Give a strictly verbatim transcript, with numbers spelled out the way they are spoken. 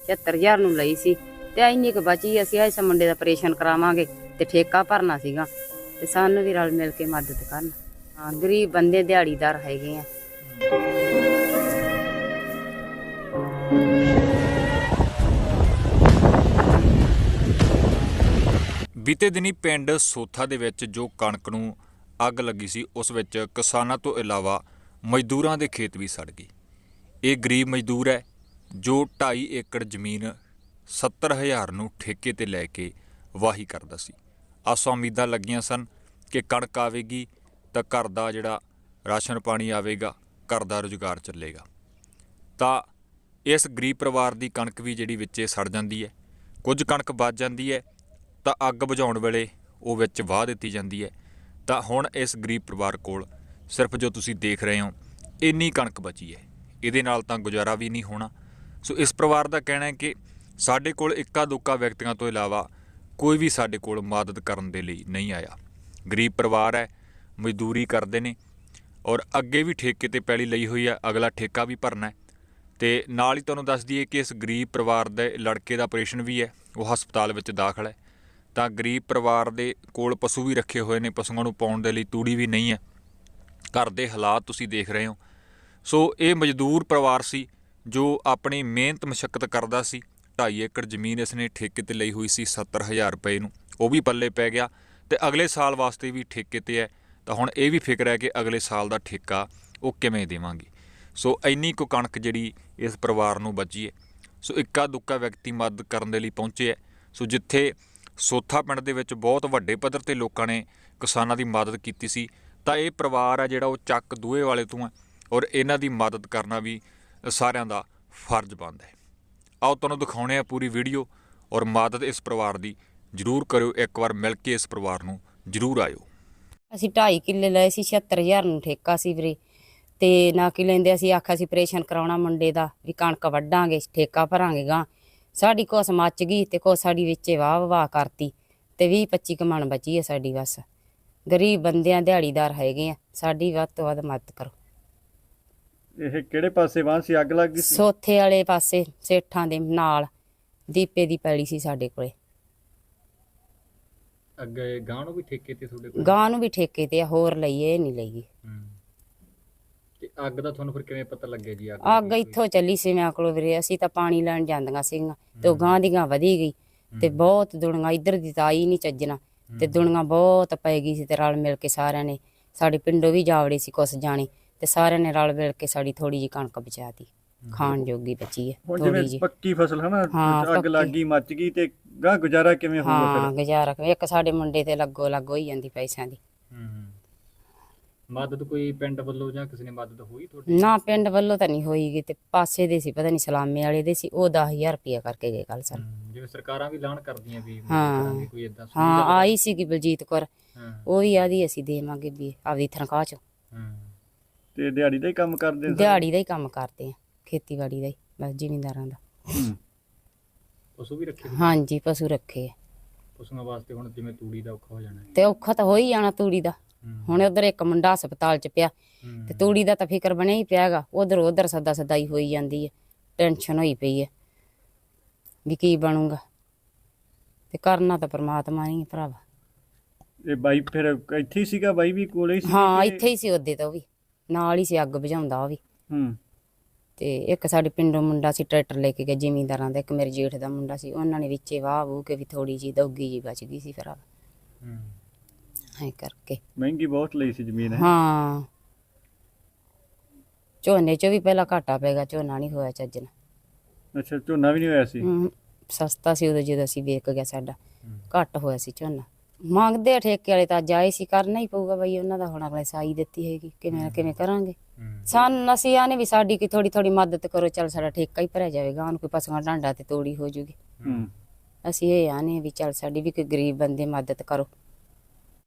छिहत्तर हज़ार ਨੂੰ ਲਈ ਸੀ ਤੇ ਇੰਨੀ ਕੁ ਬਚੀ ਅਸੀਂ ਇਸ ਮੁੰਡੇ ਦਾ ਆਪਰੇਸ਼ਨ ਕਰਾਵਾਂਗੇ ਤੇ ਠੇਕਾ ਭਰਨਾ ਸੀਗਾ ਤੇ ਸਾਨੂੰ ਵੀ ਰਲ ਮਿਲ ਕੇ ਮਦਦ ਕਰਨ। ਹਾਂ ਗਰੀਬ ਬੰਦੇ ਦਿਹਾੜੀਦਾਰ ਹੈਗੇ ਆ। ਬੀਤੇ ਦਿਨੀ ਪਿੰਡ ਸੋਥਾ ਦੇ ਵਿੱਚ ਜੋ ਕਣਕ ਨੂੰ ਅੱਗ ਲੱਗੀ ਸੀ ਉਸ ਵਿੱਚ ਕਿਸਾਨਾਂ ਤੋਂ ਇਲਾਵਾ ਮਜ਼ਦੂਰਾਂ ਦੇ ਖੇਤ ਵੀ ਸੜ ਗਏ। ਇਹ ਗਰੀਬ ਮਜ਼ਦੂਰ ਹੈ ਜੋ ਢਾਈ ਏਕੜ ਜ਼ਮੀਨ ਸੱਤਰ ਹਜ਼ਾਰ ਨੂੰ ਠੇਕੇ ਤੇ ਲੈ ਕੇ ਵਾਹੀ ਕਰਦਾ ਸੀ। ਆਸਾਂ ਉਮੀਦਾਂ ਲੱਗੀਆਂ ਸਨ ਕਿ ਕਣਕ ਆਵੇਗੀ ਤਾਂ ਘਰ ਦਾ ਜਿਹੜਾ ਰਾਸ਼ਨ ਪਾਣੀ ਆਵੇਗਾ, ਘਰ ਦਾ ਰੁਜ਼ਗਾਰ ਚੱਲੇਗਾ। ਤਾਂ ਇਸ ਗਰੀਬ ਪਰਿਵਾਰ ਦੀ ਕਣਕ ਵੀ ਜਿਹੜੀ ਵਿੱਚੇ ਸੜ ਜਾਂਦੀ ਹੈ। ਕੁਝ ਕਣਕ ਬਚ ਜਾਂਦੀ ਹੈ ਤਾਂ ਅੱਗ ਬੁਝਾਉਣ ਵੇਲੇ ਉਹ ਵਿੱਚ ਵਾਹ ਦਿੱਤੀ ਜਾਂਦੀ ਹੈ। ਤਾਂ ਹੁਣ ਇਸ ਗਰੀਬ ਪਰਿਵਾਰ ਕੋਲ ਸਿਰਫ ਜੋ ਤੁਸੀਂ ਦੇਖ ਰਹੇ ਹੋ ਇੰਨੀ ਕਣਕ ਬਚੀ ਹੈ, ਇਹਦੇ ਨਾਲ ਤਾਂ ਗੁਜ਼ਾਰਾ ਵੀ ਨਹੀਂ ਹੋਣਾ। ਸੋ ਇਸ ਪਰਿਵਾਰ ਦਾ ਕਹਿਣਾ ਹੈ ਕਿ ਸਾਡੇ ਕੋਲ ਇੱਕਾ ਦੁੱਕਾ ਵਿਅਕਤੀਆਂ ਤੋਂ ਇਲਾਵਾ ਕੋਈ ਵੀ ਸਾਡੇ ਕੋਲ ਮਦਦ ਕਰਨ ਦੇ ਲਈ ਨਹੀਂ ਆਇਆ। ਗਰੀਬ ਪਰਿਵਾਰ ਹੈ, ਮਜ਼ਦੂਰੀ ਕਰਦੇ ਨੇ ਔਰ ਅੱਗੇ ਵੀ ਠੇਕੇ ਤੇ ਪੈਲੀ ਲਈ ਹੋਈ ਹੈ, ਅਗਲਾ ਠੇਕਾ ਵੀ ਭਰਨਾ ਹੈ। ਤੇ ਨਾਲ ਹੀ ਤੁਹਾਨੂੰ ਦੱਸ ਦਈਏ ਕਿ ਇਸ ਗਰੀਬ ਪਰਿਵਾਰ ਦੇ ਲੜਕੇ ਦਾ ਆਪਰੇਸ਼ਨ ਵੀ ਹੈ, ਉਹ ਹਸਪਤਾਲ ਵਿੱਚ ਦਾਖਲ ਹੈ। ਤਾਂ ਗਰੀਬ ਪਰਿਵਾਰ ਦੇ ਕੋਲ ਪਸ਼ੂ ਵੀ ਰੱਖੇ ਹੋਏ ਨੇ, ਪਸ਼ੂਆਂ ਨੂੰ ਪਾਉਣ ਦੇ ਲਈ ਤੂੜੀ ਵੀ ਨਹੀਂ ਹੈ। ਘਰ ਦੇ ਹਾਲਾਤ ਤੁਸੀਂ ਦੇਖ ਰਹੇ ਹੋ। ਸੋ ਇਹ ਮਜ਼ਦੂਰ ਪਰਿਵਾਰ ਸੀ ਜੋ ਆਪਣੀ ਮਿਹਨਤ ਮੁਸ਼ੱਕਤ ਕਰਦਾ ਸੀ। ਢਾਈ ਏਕੜ ਜ਼ਮੀਨ ਇਸਨੇ ਠੇਕੇ ਤੇ ਲਈ ਹੋਈ ਸੀ ਸੱਤਰ ਹਜ਼ਾਰ ਰੁਪਏ ਨੂੰ, ਉਹ ਵੀ ਪੱਲੇ ਪੈ ਗਿਆ ਤੇ ਅਗਲੇ ਸਾਲ ਵਾਸਤੇ ਵੀ ਠੇਕੇ ਤੇ ਹੈ। ਤਾਂ ਹੁਣ ਇਹ ਵੀ ਫਿਕਰ ਹੈ ਕਿ ਅਗਲੇ ਸਾਲ ਦਾ ਠੇਕਾ ਉਹ ਕਿਵੇਂ ਦੇਵਾਂਗੇ। ਸੋ ਇੰਨੀ ਕੁ ਕਣਕ ਜਿਹੜੀ ਇਸ ਪਰਿਵਾਰ ਨੂੰ ਬਚੀ ਹੈ। ਸੋ ਇੱਕਾ ਦੁੱਕਾ ਵਿਅਕਤੀ ਮਦਦ ਕਰਨ ਦੇ ਲਈ ਪਹੁੰਚੇ ਹੈ। ਸੋ ਜਿੱਥੇ ਸੋਥਾ ਪਿੰਡ ਦੇ ਵਿੱਚ ਬਹੁਤ ਵੱਡੇ ਪੱਧਰ 'ਤੇ ਲੋਕਾਂ ਨੇ ਕਿਸਾਨਾਂ ਦੀ ਮਦਦ ਕੀਤੀ ਸੀ, ਤਾਂ ਇਹ ਪਰਿਵਾਰ ਹੈ ਜਿਹੜਾ ਉਹ ਚੱਕ ਦੂਹੇ ਵਾਲੇ ਤੋਂ ਹੈ ਔਰ ਇਹਨਾਂ ਦੀ ਮਦਦ ਕਰਨਾ ਵੀ ਸਾਰਿਆਂ ਦਾ ਫਰਜ਼ ਬਣਦਾ ਹੈ। ਆਓ ਤੁਹਾਨੂੰ ਦਿਖਾਉਣੇ ਆ ਪੂਰੀ ਵੀਡੀਓ ਔਰ ਮਦਦ ਇਸ ਪਰਿਵਾਰ ਦੀ ਜ਼ਰੂਰ ਕਰਿਓ। ਇੱਕ ਵਾਰ ਮਿਲ ਕੇ ਇਸ ਪਰਿਵਾਰ ਨੂੰ ਜ਼ਰੂਰ ਆਇਓ। ਅਸੀਂ ਢਾਈ ਕਿੱਲੇ ਲਏ ਸੀ, ਛਿਹੱਤਰ ਹਜ਼ਾਰ ਨੂੰ ਠੇਕਾ ਸੀ ਵੀਰੇ। ਤੇ ਨਾ ਕੀ ਲੈਂਦੇ ਅਸੀਂ ਆਖਿਆ ਸੀ ਆਪਰੇਸ਼ਨ ਕਰਾਉਣਾ ਮੁੰਡੇ ਦਾ, ਵੀ ਕਣਕ ਵੱਢਾਂਗੇ ਠੇਕਾ ਭਰਾਂਗੇ ਗਾਂ। ਸਾਡੀ ਕੁਛ ਮੱਚ ਗਈ ਤੇ ਕੁਛ ਸਾਡੀ ਵਿੱਚੇ ਵਾਹ ਵਾਹ ਕਰਤੀ ਤੇ ਵੀਹ ਪੱਚੀ ਕੁ ਮਣ ਬਚੀ ਹੈ ਸਾਡੀ। ਬਸ ਗਰੀਬ ਬੰਦਿਆਂ ਦਿਹਾੜੀਦਾਰ ਹੈਗੇ ਆ, ਸਾਡੀ ਵੱਧ ਤੋਂ ਵੱਧ ਮਦਦ ਕਰੋ। ਇਹ ਕਿਹੜੇ ਪਾਸੇ ਵਾਹ ਸੀ ਅੱਗ ਲੱਗ ਗਈ ਸੀ? ਸੋਥੇ ਵਾਲੇ ਪਾਸੇ ਸੇਠਾਂ ਦੇ ਨਾਲ ਦੀਪੇ ਦੀ ਪੈਲੀ ਸੀ ਸਾਡੇ ਕੋਲੇ। ਅੱਗੇ ਗਾਂ ਨੂੰ ਵੀ ਠੇਕੇ ਤੇ ਤੁਹਾਡੇ ਕੋਲ? ਗਾਂ ਨੂੰ ਵੀ ਠੇਕੇ ਤੇ ਆ, ਹੋਰ ਲਈਏ ਇਹ ਨਹੀਂ ਲਈਏ। ਤੇ ਅੱਗ ਦਾ ਤੁਹਾਨੂੰ ਫਿਰ ਕਿਵੇਂ ਪਤਾ ਲੱਗਿਆ ਜੀ? ਅੱਗ ਅੱਗ ਇੱਥੋਂ ਚੱਲੀ ਸੀ ਮੈਂ ਕੋਲ ਵੀਰੇ, ਅਸੀਂ ਤਾਂ ਪਾਣੀ ਲੈਣ ਜਾਂਦੀਆਂ ਸੀਗੀਆਂ ਤੇ ਉਹ ਗਾਂ ਦੀ ਗਾਂ ਵਧੀ ਗਈ ਤੇ ਬਹੁਤ ਦੁਨੀਆ ਇੱਧਰ ਦੀ ਤਾਂ ਆਈ ਨਹੀਂ ਚੱਜਣਾ ਤੇ ਦੁਨੀਆ ਬਹੁਤ ਪੈ ਗਈ ਸੀ। ਤੇ ਰਲ ਮਿਲ ਕੇ ਸਾਰਿਆਂ ਨੇ, ਸਾਡੇ ਪਿੰਡੋਂ ਵੀ ਜਾਵੜੇ ਸੀ ਕੁਛ ਜਾਣੇ, ਤੇ ਸਾਰਿਆਂ ਨੇ ਰਲ ਮਿਲ ਕੇ ਸਾਡੀ ਥੋੜੀ ਜਿਹੀ ਕਣਕ ਬਚਾਤੀ, ਖਾਣ ਜੋਗੀ ਬਚੀ ਹੈ ਥੋੜੀ ਜਿਹੀ। ਪੱਕੀ ਫਸਲ ਹੈ ਨਾ, ਅੱਗ ਲੱਗ ਗਈ ਮੱਚ ਗਈ ਤੇ ਗਾਂ ਗੁਜ਼ਾਰਾ ਕਿਵੇਂ ਹੋਊਗਾ? ਹਾਂ ਗੁਜ਼ਾਰਾ ਇੱਕ ਸਾਡੇ ਮੁੰਡੇ ਤੇ ਲੱਗੋ ਲੱਗ ਹੋਈ ਜਾਂਦੀ ਪੈਸਿਆਂ ਦੀ। ਮਦਦ ਕੋਈ ਪਿੰਡ ਵੱਲੋਂ ਜਾਂ ਕਿਸੇ ਨੇ ਮਦਦ ਹੋਈ ਤੁਹਾਡੀ? ਨਾ ਪਿੰਡ ਵੱਲੋਂ ਤਾਂ ਨਹੀਂ ਹੋਈ, ਤੇ ਪਾਸੇ ਦੇ ਸੀ ਪਤਾ ਨਹੀਂ ਸਲਾਮੇ ਵਾਲੇ ਦੇ ਸੀ, ਉਹ ਦਸ ਹਜ਼ਾਰ ਰੁਪਇਆ ਕਰਕੇ ਗਏ ਕੱਲ ਸਾਨੂੰ। ਜਿਵੇਂ ਸਰਕਾਰਾਂ ਵੀ ਐਲਾਨ ਕਰਦੀਆਂ ਵੀ ਹਾਂ ਕੋਈ ਏਦਾਂ? ਹਾਂ ਆਈ ਸੀਗੀ ਬਲਜੀਤ ਕੌਰ, ਉਹ ਵੀ ਆਦੀ ਅਸੀਂ ਦੇਵਾਂਗੇ ਵੀ ਆਪਦੀ ਤਨਖਾਹ ਚੋਂ। ਤੇ ਦਿਹਾੜੀ ਦਾ ਹੀ ਕੰਮ ਕਰਦੇ? ਦਿਹਾੜੀ ਦਾ ਹੀ ਕੰਮ ਕਰਦੇ ਆ, ਖੇਤੀਬਾੜੀ ਦਾ ਹੀ, ਬਸ ਜ਼ਿਮੀਂਦਾਰਾਂ ਦਾ। ਪਸ਼ੂ ਵੀ ਰੱਖੇ? ਹਾਂਜੀ ਪਸ਼ੂ ਰੱਖੇ ਆ। ਪਸ਼ੂਆਂ ਵਾਸਤੇ ਹੁਣ ਜਿਵੇਂ ਤੂੜੀ ਦਾ ਔਖਾ ਹੋ ਜਾਣਾ ਤੇ ਔਖਾ ਤਾਂ ਹੋ ਹੀ ਜਾਣਾ ਤੂੜੀ ਦਾ। ਹੁਣ ਉਧਰ ਇੱਕ ਮੁੰਡਾ ਹਸਪਤਾਲ ਚ ਪਿਆ ਤੇ ਤੂੜੀ ਦਾ ਤਾਂ ਫਿਕਰ ਬਣਿਆ ਹੀ ਪਿਆ ਗਾ। ਉਧਰ ਉਧਰ ਸਦਾ ਸਦਾਈ ਹੋਈ ਜਾਂਦੀ ਹੈ, ਟੈਨਸ਼ਨ ਹੋਈ ਪਈ ਹੈ ਵੀ ਕੀ ਬਣੂਗਾ। ਤੇ ਕਰਨਾ ਤਾਂ ਪਰਮਾਤਮਾ ਨਹੀਂ ਭਰਾਵਾ। ਇਹ ਬਾਈ ਫਿਰ ਇੱਥੇ ਹੀ ਸੀਗਾ? ਬਾਈ ਵੀ ਕੋਲੇ ਹੀ ਸੀ? ਹਾਂ ਇੱਥੇ ਹੀ ਸੀ ਉਹਦੇ ਤਾਂ, ਉਹ ਵੀ ਨਾਲ ਹੀ ਸੀ, ਅੱਗ ਬੁਝਾਉਂਦਾ ਉਹ ਵੀ। ਹੂੰ। ਤੇ ਇੱਕ ਸਾਡੇ ਪਿੰਡੋਂ ਮੁੰਡਾ ਸੀ ਟਰੈਕਟਰ ਲੈ ਕੇ ਗਿਆ ਜ਼ਿਮੀਂਦਾਰਾਂ ਦਾ, ਇੱਕ ਮੇਰੇ ਜੇਠ ਦਾ ਮੁੰਡਾ ਸੀ, ਉਹਨਾਂ ਨੇ ਵਿੱਚੇ ਵਾਹ ਵੂਹ ਕੇ ਵੀ ਥੋੜੀ ਜਿਹੀ ਦੋਗੀ ਜਿਹੀ ਬਚ ਗਈ ਸੀ ਭਰਾਵਾ। ਐਂ ਕਰਕੇ ਮਹਿੰਗੀ ਬਹੁਤ ਲਈ ਸੀ ਜ਼ਮੀਨ? ਹਾਂ ਝੋਨੇ ਚ ਵੀ ਪਹਿਲਾਂ ਘਾਟਾ ਪੈ ਗਿਆ, ਝੋਨਾ ਨਹੀਂ ਹੋਇਆ ਚੱਜ ਨਾਲ। ਅੱਛਾ ਝੋਨਾ ਵੀ ਨਹੀਂ ਹੋਇਆ ਸੀ? ਸਸਤਾ ਸੀ ਉਦੋਂ ਜਦੋਂ ਅਸੀਂ ਵੇਚ ਗਿਆ, ਸਾਡਾ ਘੱਟ ਹੋਇਆ ਸੀ ਝੋਨਾ। ਮੰਗਦੇ ਆ ਠੇਕੇ ਵਾਲੇ ਤਾਂ, ਜਾਏ ਸੀ ਕਰਨਾ ਹੀ ਪਊਗਾ ਬਈ ਉਹਨਾਂ ਦਾ। ਹੁਣ ਅਗਲੇ ਸਾਈ ਦਿੱਤੀ ਹੈਗੀ, ਕਿਵੇਂ ਨਾ ਕਿਵੇਂ ਕਰਾਂਗੇ। ਸਾਨੂੰ ਅਸੀਂ ਆਨੇ ਵੀ ਸਾਡੀ ਕੀ ਥੋੜੀ ਥੋੜੀ ਮਦਦ ਕਰੋ, ਚੱਲ ਸਾਡਾ ਠੇਕਾ ਹੀ ਭਰਿਆ ਜਾਵੇਗਾ, ਉਹਨੂੰ ਕੋਈ ਪਸ਼ੂਆਂ ਢਾਂਡਾ ਤੇ ਤੋੜੀ ਹੋ ਜੂਗੀ। ਅਸੀਂ ਇਹ ਆਨੇ ਵੀ ਚੱਲ ਸਾਡੀ ਵੀ ਕੋਈ ਗਰੀਬ ਬੰਦੇ ਮਦਦ ਕਰੋ।